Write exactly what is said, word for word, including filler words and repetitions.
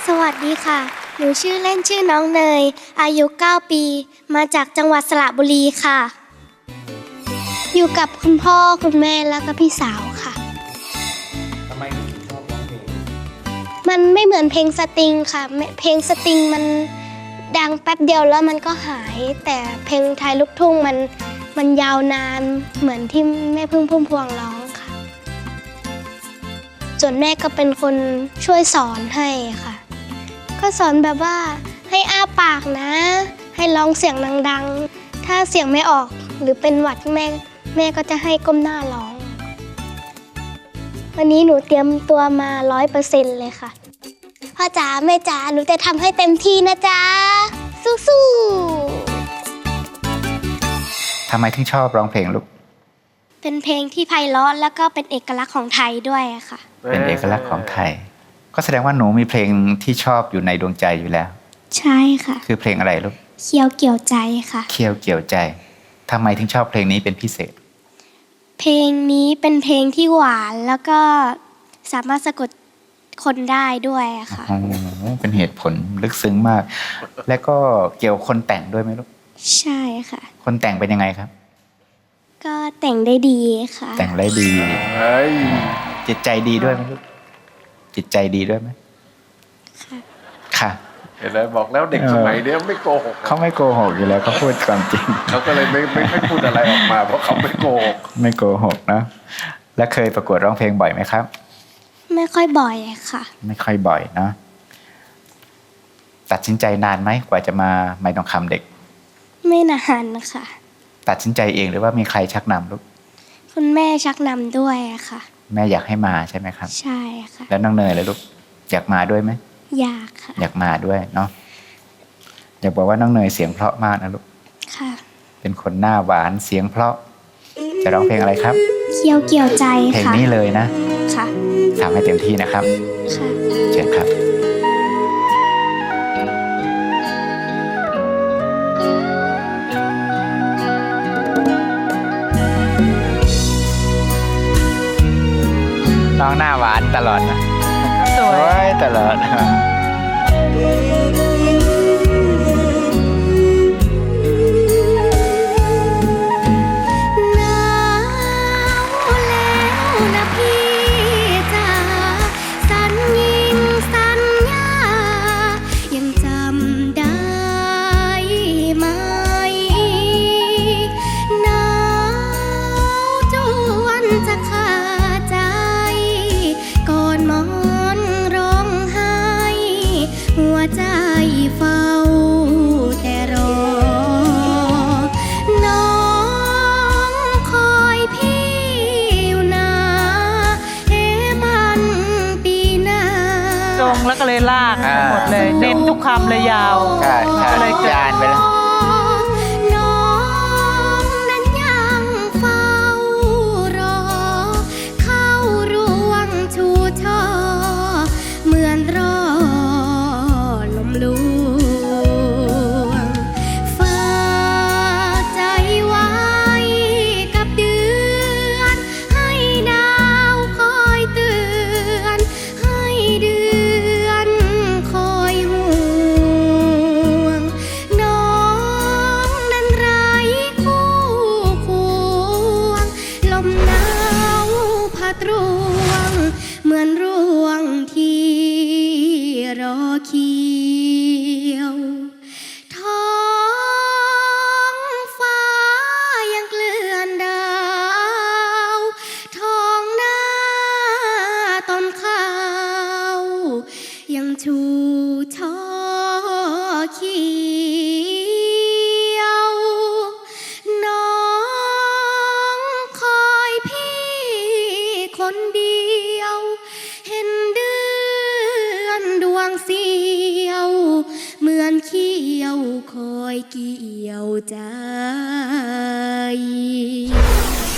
สวัสดีค่ะ หนูชื่อเล่นชื่อน้องเนย อายุเก้าปี มาจากจังหวัดสระบุรีค่ะ อยู่กับคุณพ่อคุณแม่แล้วก็พี่สาวค่ะทำไมถึงชอบร้องเพลงมันไม่เหมือนเพลงสตริงค่ะ เพลงสตริงมันดังแป๊บเดียวแล้วมันก็หาย แต่เพลงไทยลูกทุ่งมันมันยาวนานเหมือนที่แม่พึ่งพุ่มพวงร้องค่ะ ส่วนแม่ก็เป็นคนช่วยสอนให้ค่ะ ก็สอนแบบว่าให้อ้าปากนะ ให้ร้องเสียงดังๆ ถ้าเสียงไม่ออกหรือเป็นหวัดแม่แม่ก็จะให้ก้มหน้าร้อง วันนี้หนูเตรียมตัวมาร้อยเปอร์เซ็นต์เลยค่ะพ่อจ๋าแม่จ๋าหนูจะทำให้เต็มที่นะจ๊ะสู้ๆทำไมถึงชอบร้องเพลงลูกเป็นเพลงที่ไพเราะแล้วก็เป็นเอกลักษณ์ของไทยด้วยอะค่ะเป็นเอกลักษณ์ของไทย ก็แสดงว่าหนูมีเพลงที่ชอบอยู่ในดวงใจอยู่แล้วใช่ค่ะคือเพลงอะไรลูกเคี้ยวเกี่ยวใจค่ะเคี้ยวเกี่ยวใจทำไมถึงชอบเพลงนี้เป็นพิเศษเพลงนี้เป็นเพลงที่หวานแล้วก็สามารถสะกดคนได้ด้วยอะค่ะโอ้โหเป็นเหตุผลลึกซึ้งมาก และก็เกี่ยวคนแต่งด้วยไหมลูกใช่ค่ะคนแต่งเป็นยังไงครับก็แต่งได้ดีค่ะแต่งได้ดีเฮ้ยจิตใจดีด้วยไหมลูก จิตใจดีด้วยไหมค่ะค่ะเห็นไหมบอกแล้วเด็กสมัยเนี้ยไม่โกหกเขาไม่โกหกอยู่แล้วเขาพูดความจริงเขาก็เลยไม่ไม่ไม่พูดอะไรออกมาเพราะเขาไม่โกหกไม่โกหกนะ และเคยประกวดร้องเพลงบ่อยไหมครับไม่ค่อยบ่อยค่ะไม่ค่อยบ่อยนะ ตัดสินใจนานไหมกว่าจะมาไม่ต้องคำเด็กไม่นานนะคะตัดสินใจเองหรือว่ามีใครชักนำลูกคุณแม่ชักนำด้วยอะค่ะแม่อยากให้มาใช่ไหมครับใช่ค่ะแล้วน้องเนยเลยลูกอยากมาด้วยไหมอยากค่ะอยากมาด้วยเนาะอยากบอกว่าน้องเนยเสียงเพราะมากนะลูกค่ะเป็นคนหน้าหวานเสียงเพราะ จะร้องเพลงอะไรครับเคี้ยวเกี่ยวใจเพลงค่ะนี้เลยนะค่ะทำให้เต็มที่นะครับค่ะเชิญครับ น้องหน้าหวานตลอดนะสวยตลอดหนาวแล้วนะพี่จ๋าสัญญิงสัญญายังจำได้ไหมหนาวจวนจะขาดใจก่อนหมอนร้องไห้หัวใจเฝ้าแต่รอ น้องคอยพี่อยู่นะเอ๊ะมันปีหน้าตรงแล้วก็เลยลากอ่าหมดเลย เน้นทุกคำเลยยาวใช่ใช่อะไรเกิดจานไปแล้วน้องนั้นยังเฝ้ารอ เข้าร่วงชูช่อเหมือนรอลมลวง ฝากใจไว้กับเดือน ให้ดาวคอยเตือน ให้เดือนคอยห่วง น้องนั้นไร้คู่ควง ลมหนาวพัดรวง เหมือนร่วงที่รอเขียว ท้องฟ้ายังเกลื่อนดาวท้องหน้าต้นข้าวยังชูช่อเขียว น้องคอยพี่คนเดียว เห็นเดือนดวงเสียว เหมือนเขี้ยวคอยเกี่ยวใจ